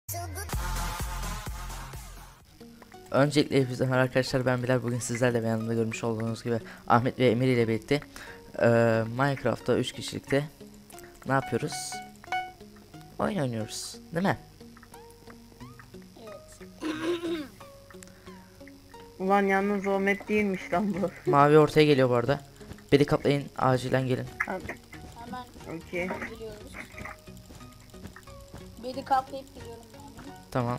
Öncelikle hepinize merhaba arkadaşlar, ben Bilal. Bugün sizlerle ve yanımda görmüş olduğunuz gibi Ahmet ve Emir ile birlikte Minecraft'ta 3 kişilikte ne yapıyoruz? Oyun oynuyoruz, değil mi? Evet. Ulan yalnız o map değilmiş lan bu. Mavi ortaya geliyor bu arada. Beni kaplayın, acilen gelin. Hemen Okey. geliyoruz. Beni kaplayıp geliyorum yani. Tamam.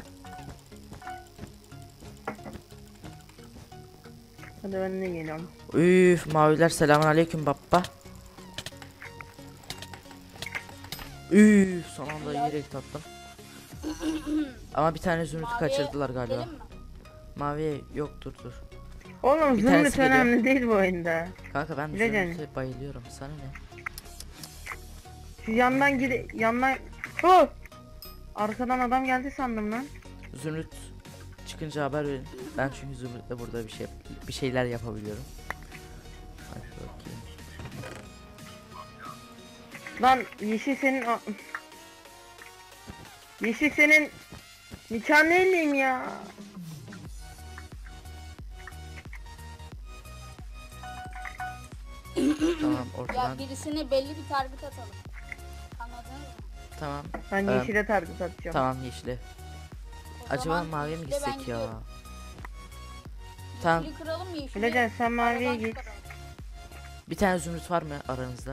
Hadi ben de geliyorum. Üf, maviler, selamünaleyküm baba. Üf, son anda yiyerek tattım. Ama bir tane zümrütü Maviye kaçırdılar galiba. gidelim mi? Maviye yok, dur. Oğlum Bir zümrüt tanesi geliyor. önemli değil bu oyunda. Kanka ben Bileceksin. zümrüte bayılıyorum, sana ne? Şu yandan yandan... Oh! Arkadan adam geldi sandım lan. Zümrüt çıkınca haber verin. Ben çünkü Zümrüt'le burada bir şeyler yapabiliyorum. Hadi bakayım. Lan yeşil senin... Yeşil senin... Nikah neyleyim ya? Tamam, ortadan. Ya birisine belli bir target atalım. Anladın mı? Tamam. Ben Ee, yeşile target atacağım. Tamam, yeşile. O Acaba zaman maviye mi yeşile ben gitsek ya? gidiyorum. Tamam. Yeşili kıralım mı yeşili? Bileceksin, sen maviye aradan git. çıkaralım. Bir tane Zümrüt var mı aranızda?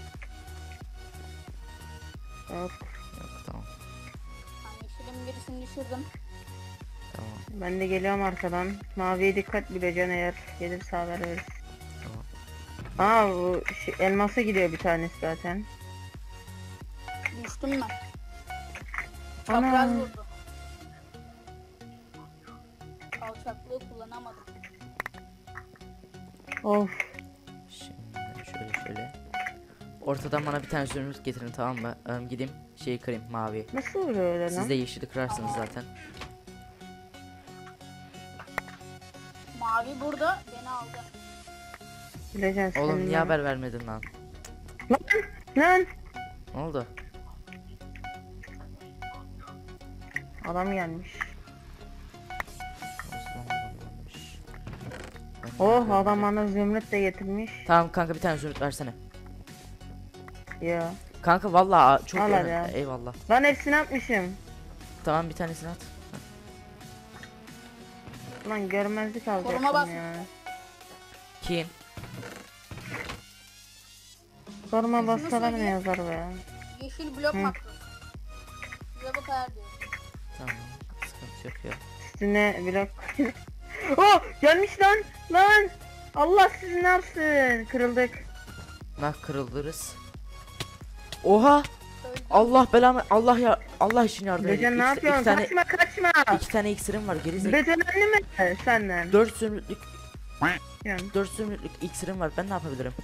Yok. Yok, tamam. Ben yeşilin birisini düşürdüm. Tamam. Ben de geliyorum arkadan. Maviye dikkat, bileceksin, eğer gelirse haber veririz. Tamam. Bu elmasa gidiyor bir tanesi zaten. Düştüm ben. Ana. Çapraz vurdu. Alçaklığı kullanamadım. Of. Şimdi şöyle. Ortadan bana bir tane Zümrüt getirin, tamam mı? Gideyim şeyi kırayım, mavi. Nasıl oluyor öyle Siz lan? de yeşili kırarsınız zaten. Mavi burada beni aldı. Bileceksin Oğlum senin niye ben. haber vermedin lan? Lan! Ne oldu? Adam gelmiş. Osman babammış. Oh, adam bana zümrüt de getirmiş. Tamam kanka, bir tane Zümrüt versene. Ya. Kanka vallahi çok Al hadi önemli. ya. Eyvallah. Lan hepsini atmışım. Tamam, bir tanesini at. Lan görmezlik Koruma alacaktım bas. ya. Kim? Sorma bassalar ne söyleyeyim. yazar be. Yeşil blok Hı. makrosu. Size bu kadar diyor. Tamam, sıkıntı yok ya. Üstüne blok. Oh, gelmiş lan. Lan. Allah sizi ne yapsın? Kırıldık. Nah, kırıldırız. Oha! Öldü. Allah belamı, Allah için yardım edin. Becan ne yapıyorsun? İki tane, Kaçma. iki tane iksirim var, gerizekalı. Becanlı mi senden? 4 zümrütlük, Yani 4 zümrütlük iksirim var. Ben ne yapabilirim?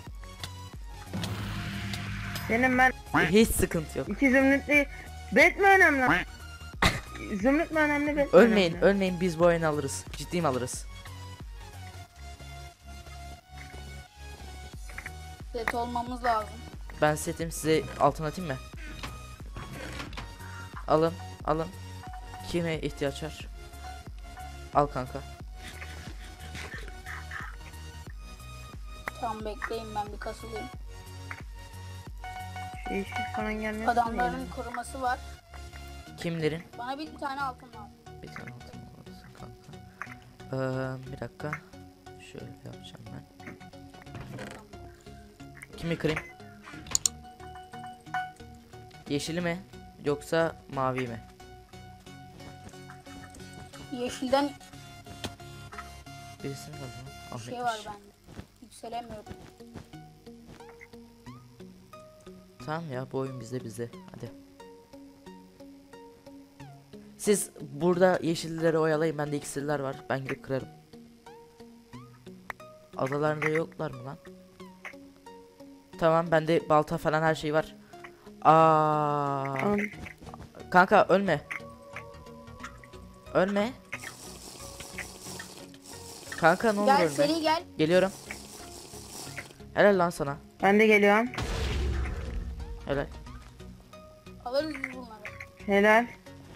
senin ben Hiç sıkıntı yok. 2 zümrütlü. Bet mi önemli? Zümrüt mü önemli, bet mi Ölmeyin, önemli? ölmeyin, biz bu oyunu alırız. Ciddiyim, alırız. Set olmamız lazım. Ben setim, size altın atayım mı? Alın. Kime ihtiyaç var? Al kanka. Tamam bekleyin ben bir kasılayım. Şu yeşil falan gelmesin. Adamların koruması var. Kimlerin? Bana bir tane altın lazım. Bir tane altın alırsın kanka. Bir dakika. Şöyle yapacağım ben. Kimi kırayım? Yeşili mi? Yoksa mavi mi? Yeşilden Birisini alalım. bir şey var bende. Yükselemiyorum. Tamam ya, bu oyun bizde. Hadi. Siz burada yeşilleri oyalayın, bende iksirler var. Ben gidip kırarım. Adalarında yoklar mı lan? Tamam, bende balta falan her şey var. Al. Kanka ölme. Kanka ne olur Gel ölme. seri gel. Geliyorum. Helal lan sana. Ben de geliyorum. Helal. Alırız biz bunları. Helal.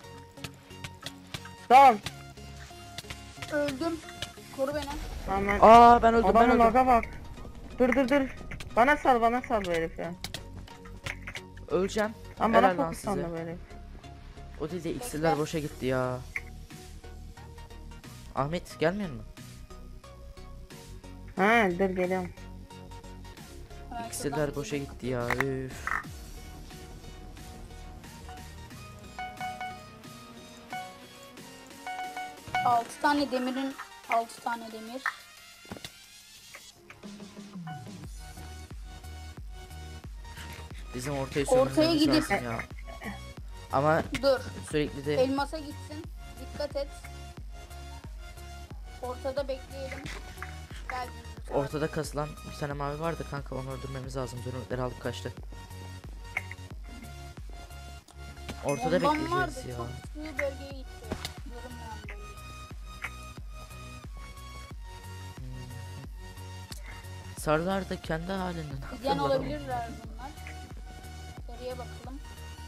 Dal. Öldüm. Koru beni. Aman. Aa ben öldüm ben Adamın öldüm. laga bak. Dur. Bana sal bu herif ya. Öleceğim. Ama bana Helal lan fokus sandı size. bu herif. O değil de iksirler boşa gitti ya. Ahmet gelmiyor mu? Ha dur geliyorum. Hemen İksirler şuradan boşa gideyim. gitti ya. Üf. Altı tane demirin 6 tane demir. Bizim ortaya Ortaya sömürmemiz gidip- lazım ya. Ama Dur. sürekli de Elmasa gitsin. Dikkat et. Ortada bekleyelim. Gel. ortada kasılan bir tane mavi vardı kanka, onu öldürmemiz lazım. Zürnükleri alıp kaçtı. Ortada Bombam bekleyeceğiz vardı, ya. çok sığ bölgeye gitti. Görünmeyen bölge. Sarılar da kendi halinden Giden haklılar ama. olabilirler bunlar. Geriye bakalım.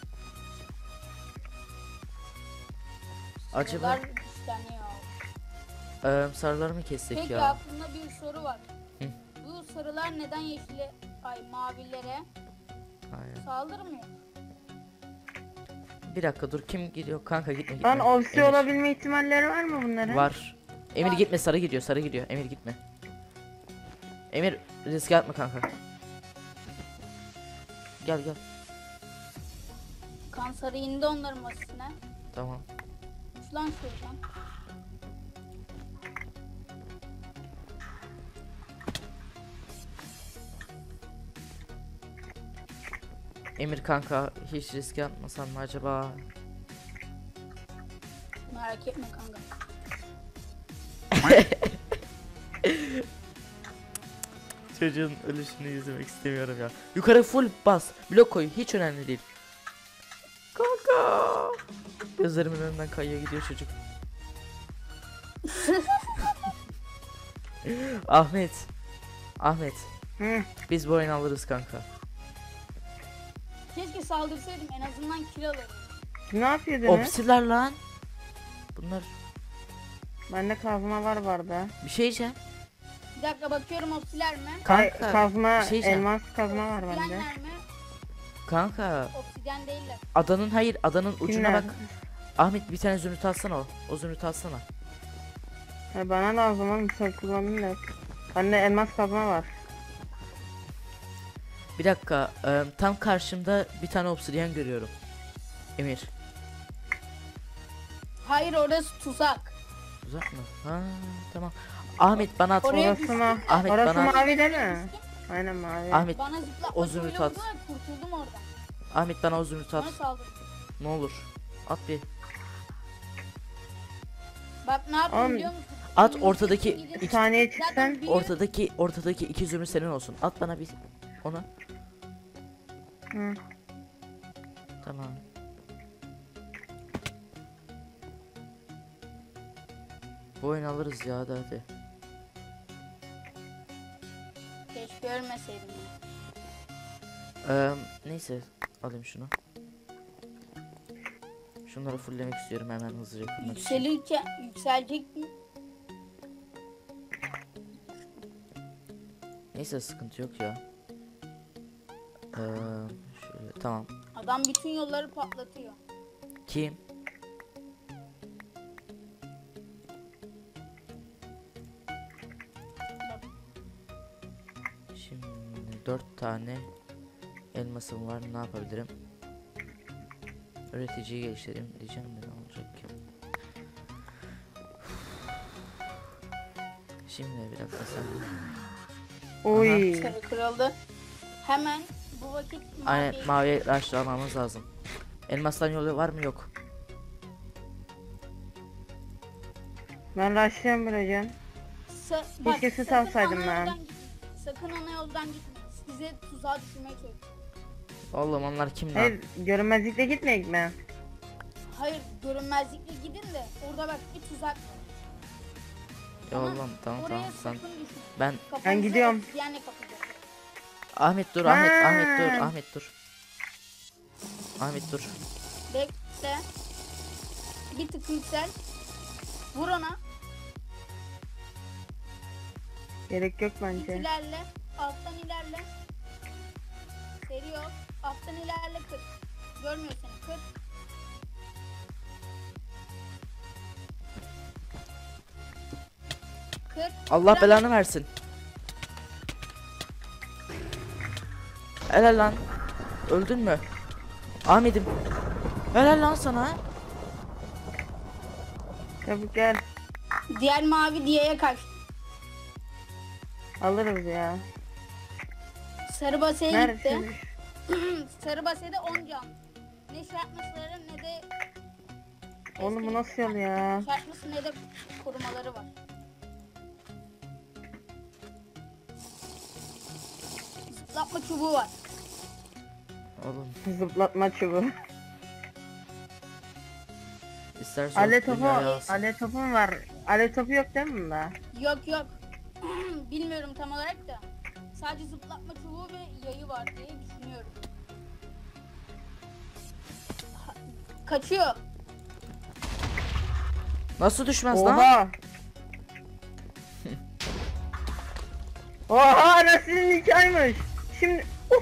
Acaba Sarılar güçleniyor. sarıları mı kessek Peki ya? aklımda bir soru var. Hı. Bu sarılar neden yeşile, mavilere Aynen. saldırmıyor? Bir dakika dur, kim gidiyor kanka, gitme Lan gitme. opsi Emir. olabilme ihtimalleri var mı bunların? Var. Emir Var. gitme, sarı gidiyor, sarı gidiyor. Emir gitme. Emir riske atma kanka. Gel gel. Kan sarı indi onların masasına. Tamam. Uç lan şuradan. Emir kanka, hiç riske atmasan mı acaba? Merak etme kanka. Çocuğun ölüşünü izlemek istemiyorum ya. Yukarı full bas. Blok koy. Hiç önemli değil. Kanka. Gözlerimin önünden kayıyor gidiyor çocuk. Ahmet. Ahmet. Hı. Biz bu oyunu alırız kanka. Keşke saldırsaydım, en azından kill alırdım. Ne yapıyordunuz? Opsiler lan. Bunlar Bende kazma var barda. bir şey diyeceğim. Bir dakika bakıyorum opsiler mi? Kanka. Kazma, bir şey diyeceğim. elmas kazma var bende. Obsidyenler mi? Kanka. Obsidyen değiller. Adanın, hayır, adanın ucuna Kimler? bak. Ahmet bir tane zümrüt alsana o. O zümrüt alsana. Ha, bana lazım oğlum, sen kullandın da. Bende elmas kazma var. Bir dakika. Tam karşımda bir tane obsidyen görüyorum. Emir. Hayır, orası tuzak. Uzak mı? Ha, tamam. Ahmet bana at. Oraya Orası düştüm. mı? Ahmet, Orası bana- mavi değil mi? Aynen mavi. Ahmet, Bana zıplatma o zümrüt söyle at. oldu, kurtuldum oradan. Ahmet bana o zümrüt at. Bana saldırdı. Ne olur. At bir. Bak ne yaptım Oğlum, biliyor musun? At Zümrüt'ün ortadaki gidip- Bir saniye Zaten çıksan. büyü- Ortadaki iki zümrüt senin olsun. At bana bir onu. Hı. Tamam. Bu oyunu alırız ya, hadi. Keşke ölmeseydim. Neyse, alayım şunu. Şunları fulllemek istiyorum hemen hızlıca kurmak için. Yükselecek mi? Neyse, sıkıntı yok ya. Şöyle, tamam. Adam bütün yolları patlatıyor. Kim? Bak, Şimdi 4 tane elmasım var. Ne yapabilirim? Üreticiyi geliştireyim diyeceğim de ne olacak ki? Şimdi bir dakika sen. Oy. sarı kırıldı. Hemen bu vakit Aynen, mavi- maviye başlamamız lazım. Elmastan yolu var mı? Yok. Ben rushlıyorum buraya. Bak, Keşke süt sakın alsaydım ana ben. yoldan gitme. Sakın ana yoldan gitme. Size tuzağa düşürmeye çalışıyor. Oğlum onlar kim lan? Hayır, görünmezlikle gitmeyek mi? Hayır, görünmezlikle gidin de orada bak bir tuzak var. Ya oğlum tamam Oraya tamam sen. sakın düşme. Ben Kafanızı gidiyorum. obsidyenle kapatacak. Ahmet dur, Ha. Ahmet dur, Ahmet dur. Ahmet dur. Bekle. Bir tık yüksel. Vur ona. Gerek yok Git bence. ilerle. Alttan ilerle. Seri ol. Alttan ilerle 40. Görmüyor seni 40. Allah belanı versin. Helal lan. Öldün mü? Ahmet'im. Helal lan sana. Çabuk gel. Diğer mavi diyeye kaç. Alırız ya. Sarı basaya gitti. Neredesin? Sarı basede 10 can. Ne şartmasları ne de Oğlum bu nasıl yol ya? şartması ne de korumaları var. Zıplatma çubuğu var. Oğlum Zıplatma çubuğu. istersen Ale topu, dünyaya alsın. ale topum var. Ale topu yok değil mi bunda? Yok yok. Bilmiyorum tam olarak da. Sadece zıplatma çubuğu ve yayı var diye düşünüyorum. Kaçıyor. Nasıl düşmez lan? Oha! Oha nasıl nikahıymış? Şimdi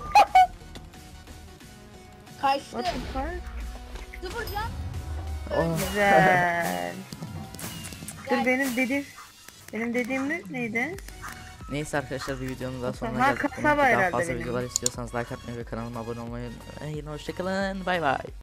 Kaçtı. what the fuck? Sıfır can. Oh. Güzel. Dur Gel. benim dediğim neydi? Neyse arkadaşlar bir videonun daha sonuna Ha, geldik. kasaba Daha herhalde fazla benim. videolar istiyorsanız like atmayı ve kanalıma abone olmayı unutmayın. Hoşçakalın. Bay bay.